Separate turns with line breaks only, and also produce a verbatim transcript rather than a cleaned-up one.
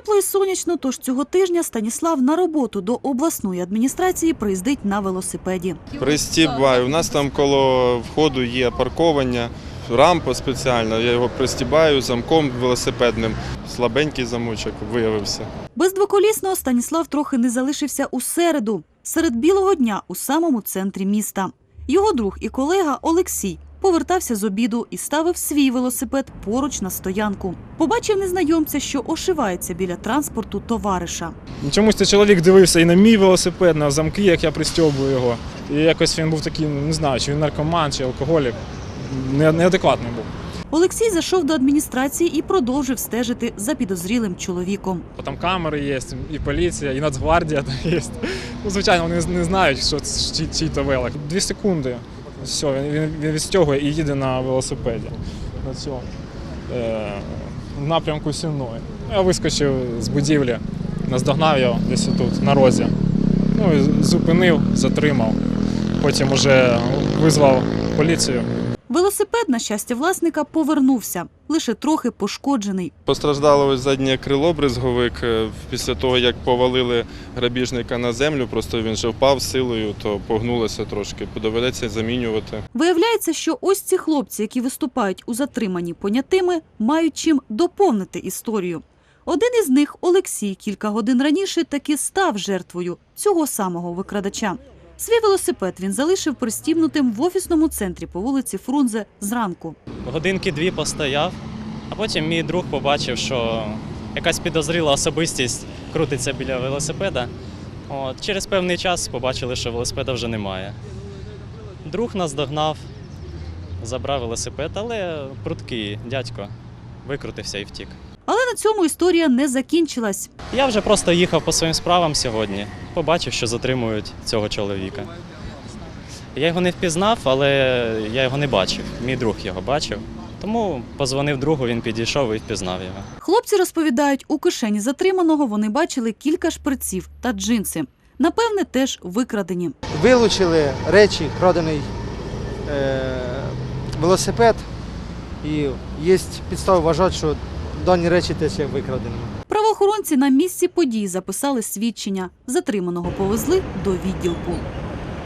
Тепло і сонячно, тож цього тижня Станіслав на роботу до обласної адміністрації приїздить на велосипеді.
Пристібаю. У нас там коло входу є парковання, рампа спеціальна. Я його пристібаю замком велосипедним. Слабенький замочок виявився.
Без двоколісного Станіслав трохи не залишився у середу, серед білого дня у самому центрі міста. Його друг і колега Олексій повертався з обіду і ставив свій велосипед поруч на стоянку. Побачив незнайомця, що ошивається біля транспорту товариша.
Чомусь цей чоловік дивився і на мій велосипед, на замки, як я пристьобую його. І якось він був такий, не знаю, чи він наркоман, чи алкоголік. Неадекватний був.
Олексій зайшов до адміністрації і продовжив стежити за підозрілим чоловіком.
Там камери є, і поліція, і Нацгвардія є. Ну, звичайно, вони не знають, що це чий-то велик. Дві секунди. Все, він, він відстягує і їде на велосипеді. На цьому. Е, в напрямку Сінної. Я вискочив з будівлі, наздогнав його десь тут, на розі. Ну, і зупинив, затримав. Потім вже визвав поліцію.
Велосипед, на щастя власника, повернувся, лише трохи пошкоджений.
Постраждало ось заднє крило, бризговик. Після того, як повалили грабіжника на землю, просто він же впав силою, то погнулося трошки. Доведеться замінювати.
Виявляється, що ось ці хлопці, які виступають у затриманні понятими, мають чим доповнити історію. Один із них, Олексій, кілька годин раніше таки став жертвою цього самого викрадача. Свій велосипед він залишив пристібнутим в офісному центрі по вулиці Фрунзе зранку.
Годинки дві постояв, а потім мій друг побачив, що якась підозріла особистість крутиться біля велосипеда. От, через певний час побачили, що велосипеда вже немає. Друг нас догнав, забрав велосипед, але пруткий дядько викрутився і втік.
Але на цьому історія не закінчилась.
Я вже просто їхав по своїм справам сьогодні, побачив, що затримують цього чоловіка. Я його не впізнав, але я його не бачив, мій друг його бачив. Тому позвонив другу, він підійшов і впізнав його.
Хлопці розповідають, у кишені затриманого вони бачили кілька шприців та джинси. Напевне, теж викрадені.
Вилучили речі, крадений е, велосипед, і є підстави вважати, що дані речі теж є викраденими.
Правоохоронці на місці подій записали свідчення. Затриманого повезли до відділку.